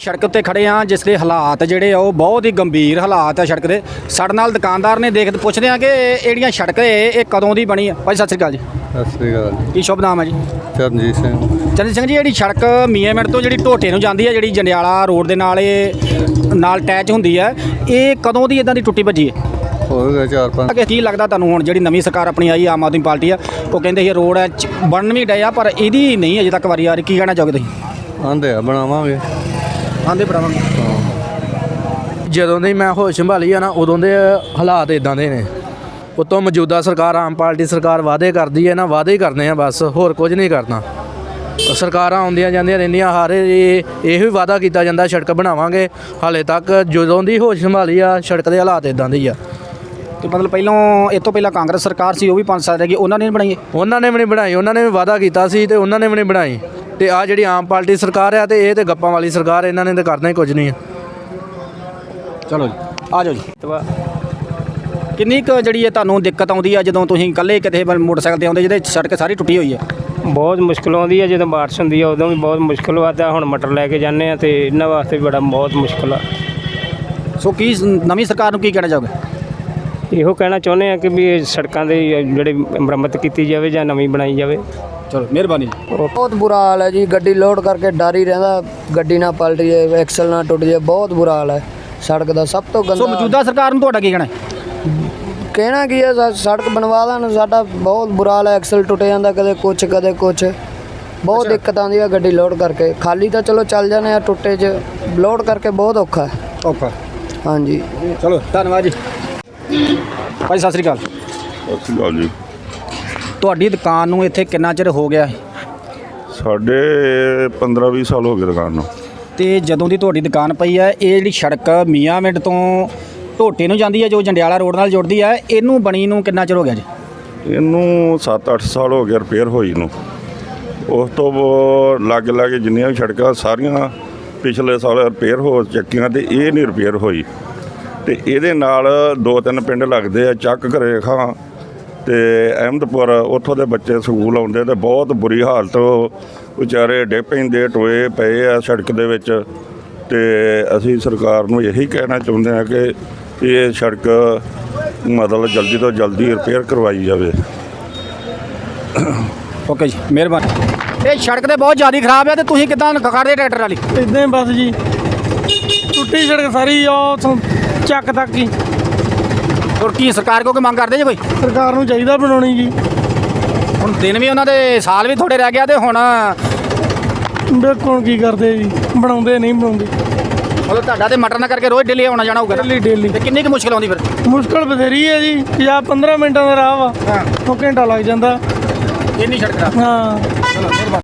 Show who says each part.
Speaker 1: ਸੜਕ ਉੱਤੇ ਖੜੇ ਆ ਜਿਸ ਦੇ ਹਾਲਾਤ ਜਿਹੜੇ ਆ ਉਹ ਬਹੁਤ ਹੀ ਗੰਭੀਰ ਹਾਲਾਤ ਆ ਸੜਕ ਦੇ। ਸਾਡੇ ਨਾਲ ਦੁਕਾਨਦਾਰ ਨੇ ਦੇਖ ਪੁੱਛਦੇ ਆ ਕਿ ਇਹ ਜਿਹੜੀਆਂ ਸੜਕ ਇਹ ਕਦੋਂ ਦੀ ਬਣੀ ਆ। ਭਾਈ ਸਤਿ ਸ਼੍ਰੀ ਅਕਾਲ ਜੀ।
Speaker 2: ਸਤਿ ਸ਼੍ਰੀ ਅਕਾਲ ਜੀ।
Speaker 1: ਕੀ ਸ਼ੁਭ ਨਾਮ ਹੈ ਜੀ?
Speaker 2: ਚਰਨਜੀਤ ਸਿੰਘ।
Speaker 1: ਚਰਨਜੀਤ ਸਿੰਘ ਜੀ, ਜਿਹੜੀ ਸੜਕ ਮੀਆਂਮਿੰਟ ਤੋਂ ਜਿਹੜੀ ਢੋਟੇ ਨੂੰ ਜਾਂਦੀ ਹੈ, ਜਿਹੜੀ ਜੰਡਿਆਲਾ ਰੋਡ ਦੇ ਨਾਲ ਇਹ ਨਾਲ ਅਟੈਚ ਹੁੰਦੀ ਹੈ, ਇਹ ਕਦੋਂ ਦੀ ਇਦਾਂ ਦੀ ਟੁੱਟੀ ਭੱਜੀ ਹੈ?
Speaker 2: ਹੋ ਗਿਆ 4-5।
Speaker 1: ਕੀ ਲੱਗਦਾ ਤੁਹਾਨੂੰ ਹੁਣ ਜਿਹੜੀ ਨਵੀਂ ਸਰਕਾਰ ਆਪਣੀ ਆਈ ਆਮ ਆਦਮੀ ਪਾਰਟੀ ਆ, ਉਹ ਕਹਿੰਦੇ ਇਹ ਰੋਡ ਬਣਨ ਵੀ ਡਿਆ ਪਰ ਇਹਦੀ ਨਹੀਂ ਅਜੇ ਤੱਕ ਵਾਰੀ ਆ ਰਹੀ, ਕੀ ਕਹਿਣਾ ਚਾਹੋਗੇ ਤੁਸੀਂ?
Speaker 2: ਆਂਦੇ ਆ ਬਣਾਵਾਂਗੇ।
Speaker 1: ਆਂਦੇ ਬਣਾਵਾਂਗੇ।
Speaker 3: ਜਦੋਂ ਦੀ ਮੈਂ ਹੋਸ਼ ਸੰਭਾਲੀ ਆ ਨਾ ਉਦੋਂ ਦੇ ਹਾਲਾਤ ਇਦਾਂ ਦੇ ਨੇ। ਉਤੋਂ ਮੌਜੂਦਾ ਸਰਕਾਰ ਆਮ ਪਾਰਟੀ ਸਰਕਾਰ ਵਾਅਦੇ ਕਰਦੀ ਹੈ ਨਾ, ਵਾਅਦੇ ਹੀ ਕਰਨੇ ਆ ਬਸ, ਹੋਰ ਕੁਝ ਨਹੀਂ ਕਰਨਾ। ਸਰਕਾਰਾਂ ਆਉਂਦੀਆਂ ਜਾਂਦੀਆਂ ਰਹਿੰਦੀਆਂ, ਹਰ ਇਹੋ ਹੀ ਵਾਅਦਾ ਕੀਤਾ ਜਾਂਦਾ ਸੜਕ ਬਣਾਵਾਂਗੇ। ਹਾਲੇ ਤੱਕ ਜਦੋਂ ਦੀ ਹੋਸ਼ ਸੰਭਾਲੀ ਆ ਸੜਕ ਦੇ ਹਾਲਾਤ ਇਦਾਂ ਦੇ ਹੀ ਆ।
Speaker 1: ਤੇ ਮਤਲਬ ਪਹਿਲਾਂ ਇਹ ਤੋਂ ਪਹਿਲਾਂ ਕਾਂਗਰਸ ਸਰਕਾਰ ਸੀ, ਉਹ ਵੀ 5 ਸਾਲ ਰਹਿ ਗਈ, ਉਹਨਾਂ ਨੇ ਨਹੀਂ ਬਣਾਈ?
Speaker 3: ਉਹਨਾਂ ਨੇ ਵੀ ਨਹੀਂ ਬਣਾਈ, ਉਹਨਾਂ ਨੇ ਵੀ ਵਾਅਦਾ ਕੀਤਾ ਸੀ ਤੇ ਉਹਨਾਂ ਨੇ ਵੀ ਨਹੀਂ ਬਣਾਈ। ਤੇ ਆ ਜਿਹੜੀ ਆਮ ਪਾਰਟੀ ਸਰਕਾਰ ਆ ਤੇ ਇਹ ਤੇ ਗੱਪਾਂ ਵਾਲੀ ਸਰਕਾਰ, ਇਹਨਾਂ ਨੇ ਤਾਂ ਕਰਨਾ ਹੀ ਕੁਝ ਨਹੀਂ ਆ।
Speaker 1: ਚਲੋ ਜੀ, ਆ ਜਾਓ ਜੀ। ਕਿੰਨੀ ਕੁ ਜਿਹੜੀ ਇਹ ਤੁਹਾਨੂੰ ਦਿੱਕਤ ਆਉਂਦੀ ਆ ਜਦੋਂ ਤੁਸੀਂ ਇਕੱਲੇ ਕਿਤੇ ਮੋਟਰਸਾਈਕਲ ਤੇ ਆਉਂਦੇ ਜਿਹਦੇ ਸੜਕ ਸਾਰੀ ਟੁੱਟੀ ਹੋਈ ਹੈ?
Speaker 4: ਬਹੁਤ ਮੁਸ਼ਕਿਲ ਆਉਂਦੀ ਹੈ ਜਦੋਂ ਬਾਰਿਸ਼ ਹੁੰਦੀ ਹੈ, ਉਦੋਂ ਵੀ ਬਹੁਤ ਮੁਸ਼ਕਿਲ ਆਉਂਦਾ। ਹੁਣ ਮਟਰ ਲੈ ਕੇ ਜਾਂਦੇ ਆ ਤੇ ਇਹਨਾਂ ਵਾਸਤੇ ਵੀ ਬਹੁਤ ਮੁਸ਼ਕਿਲ ਆ।
Speaker 1: ਸੋ ਕੀ ਨਵੀਂ ਸਰਕਾਰ ਨੂੰ ਕੀ ਕਹਿਣਾ ਚਾਹੋਗੇ?
Speaker 4: ਇਹੋ ਕਹਿਣਾ ਚਾਹੁੰਦੇ ਆ ਕਿ ਵੀ ਇਹ ਸੜਕਾਂ ਦੇ ਜਿਹੜੇ ਮੁਰੰਮਤ ਕੀਤੀ ਜਾਵੇ ਜਾਂ ਨਵੀਂ ਬਣਾਈ ਜਾਵੇ।
Speaker 1: ਚਲੋ ਮਿਹਰਬਾਨੀ ਜੀ।
Speaker 5: ਬਹੁਤ ਬੁਰਾ ਹਾਲ ਹੈ ਜੀ। ਗੱਡੀ ਲੋਡ ਕਰਕੇ ਡਰ ਹੀ ਰਹਿੰਦਾ, ਗੱਡੀ ਨਾ ਪਲਟ ਜਾਏ, ਐਕਸਲ ਨਾ ਟੁੱਟ ਜਾਏ। ਬਹੁਤ ਬੁਰਾ ਹਾਲ ਹੈ ਸੜਕ ਦਾ, ਸਭ ਤੋਂ
Speaker 1: ਸੋ
Speaker 5: ਗੰਦਾ।
Speaker 1: ਮੌਜੂਦਾ ਸਰਕਾਰ ਨੂੰ ਤੁਹਾਡਾ ਕੀ ਕਹਿਣਾ?
Speaker 5: ਕਹਿਣਾ ਕੀ ਹੈ, ਸੜਕ ਬਣਵਾ ਦੇਣ। ਸਾਡਾ ਬਹੁਤ ਬੁਰਾ ਹਾਲ ਹੈ, ਐਕਸਲ ਟੁੱਟ ਜਾਂਦਾ, ਕਦੇ ਕੁਛ ਕਦੇ ਕੁਛ। ਬਹੁਤ ਦਿੱਕਤ ਆਉਂਦੀ ਹੈ ਗੱਡੀ ਲੋਡ ਕਰਕੇ। ਖਾਲੀ ਤਾਂ ਚਲੋ ਚੱਲ ਜਾਂਦੇ ਆ, ਟੁੱਟੇ 'ਚ ਲੋਡ ਕਰਕੇ ਬਹੁਤ ਔਖਾ ਹੈ।
Speaker 1: ਔਖਾ।
Speaker 5: ਹਾਂਜੀ
Speaker 1: ਚਲੋ ਧੰਨਵਾਦ ਜੀ। ਭਾਈ ਸਤਿ ਸ਼੍ਰੀ ਅਕਾਲ।
Speaker 6: ਸਤਿ ਸ਼੍ਰੀ ਅਕਾਲ ਜੀ।
Speaker 1: ਤੁਹਾਡੀ ਦੁਕਾਨ ਨੂੰ ਇੱਥੇ ਕਿੰਨਾ ਚਿਰ ਹੋ ਗਿਆ ਹੈ?
Speaker 6: ਸਾਡੇ 15-20 ਸਾਲ ਹੋ ਗਏ ਦੁਕਾਨ ਨੂੰ।
Speaker 1: ਤੇ ਜਦੋਂ ਦੀ ਤੁਹਾਡੀ ਦੁਕਾਨ ਪਈ ਹੈ, ਇਹ ਜਿਹੜੀ ਸੜਕ ਮੀਆਂਮਿੰਟ ਤੋਂ ਢੋਟੇ ਨੂੰ ਜਾਂਦੀ ਹੈ, ਜੋ ਜੰਡਿਆਲਾ ਰੋਡ ਨਾਲ ਜੁੜਦੀ ਹੈ, ਇਹਨੂੰ ਬਣੀ ਨੂੰ ਕਿੰਨਾ ਚਿਰ ਹੋ ਗਿਆ ਜੀ?
Speaker 6: ਇਹਨੂੰ 7-8 ਸਾਲ ਹੋ ਗਏ ਰਿਪੇਅਰ ਹੋਈ ਨੂੰ। ਉਸ ਤੋਂ ਲਾਗੇ ਜਿੰਨੀਆਂ ਵੀ ਸੜਕਾਂ ਸਾਰੀਆਂ ਪਿਛਲੇ ਸਾਲ ਰਿਪੇਅਰ ਹੋ ਚੱਕੀਆਂ ਤੇ ਇਹ ਨਹੀਂ ਰਿਪੇਅਰ ਹੋਈ। ਤੇ ਇਹਦੇ ਨਾਲ 2-3 ਪਿੰਡ ਲੱਗਦੇ ਆ, ਚੱਕ ਘਰੇਖਾਂ ਤੇ ਅਹਿਮਦਪੁਰ। ਉੱਥੋਂ ਦੇ ਬੱਚੇ ਸਕੂਲ ਆਉਂਦੇ ਤੇ ਬਹੁਤ ਬੁਰੀ ਹਾਲਤ, ਵਿਚਾਰੇ ਡਿੱਗ ਪੈਂਦੇ, ਟੋਏ ਪਏ ਆ ਸੜਕ ਦੇ ਵਿੱਚ। ਤੇ ਅਸੀਂ ਸਰਕਾਰ ਨੂੰ ਇਹੀ ਕਹਿਣਾ ਚਾਹੁੰਦੇ ਹਾਂ ਕਿ ਇਹ ਸੜਕ ਮਤਲਬ ਜਲਦੀ ਤੋਂ ਜਲਦੀ ਰਿਪੇਅਰ ਕਰਵਾਈ ਜਾਵੇ।
Speaker 1: ਓਕੇ ਜੀ, ਮਿਹਰਬਾਨੀ। ਇਹ ਸੜਕ ਤੇ ਬਹੁਤ ਜ਼ਿਆਦਾ ਖਰਾਬ ਹੈ ਤੇ ਤੁਸੀਂ ਕਿੱਦਾਂ ਖੜਦੇ ਟਰੈਕਟਰ ਵਾਲੀ?
Speaker 7: ਇੱਦਾਂ ਹੀ ਬਸ ਜੀ, ਟੁੱਟੀ ਸੜਕ ਸਾਰੀ, ਉਹ ਚੱਕ ਤੱਕ ਹੀ।
Speaker 1: ਹੋਰ ਕੀ ਸਰਕਾਰ ਕੋਲ ਕੋਈ ਮੰਗ ਕਰਦੇ ਜੀ ਕੋਈ?
Speaker 7: ਸਰਕਾਰ ਨੂੰ ਚਾਹੀਦਾ ਬਣਾਉਣੀ ਜੀ।
Speaker 1: ਹੁਣ ਦਿਨ ਵੀ ਉਹਨਾਂ ਦੇ, ਸਾਲ ਵੀ ਥੋੜੇ ਰਹਿ ਗਿਆ ਤੇ ਹੁਣ
Speaker 7: ਵੇਖੋ ਹੁਣ ਕੀ ਕਰਦੇ ਜੀ, ਬਣਾਉਂਦੇ ਨਹੀਂ ਬਣਾਉਂਦੇ।
Speaker 1: ਮਤਲਬ ਤੁਹਾਡਾ ਤੇ ਮਟਰ ਨਾ ਕਰਕੇ ਰੋਜ਼ ਡੇਲੀ ਆਉਣਾ ਜਾਣਾ ਹੋਊਗਾ?
Speaker 7: ਡੇਲੀ।
Speaker 1: ਤੇ ਕਿੰਨੀ ਕੁ ਮੁਸ਼ਕਿਲ ਆਉਂਦੀ ਫਿਰ?
Speaker 7: ਮੁਸ਼ਕਲ ਬਥੇਰੀ ਹੈ ਜੀ। 50-15 ਮਿੰਟਾਂ ਦਾ ਰਾਹ ਵਾ, ਉਹ ਘੰਟਾ ਲੱਗ ਜਾਂਦਾ।
Speaker 1: ਇੰਨੀ ਸੜਕ ਖਰਾਬ।
Speaker 7: ਹਾਂ।
Speaker 1: ਚਲੋ ਮਿਹਰਬਾਨੀ।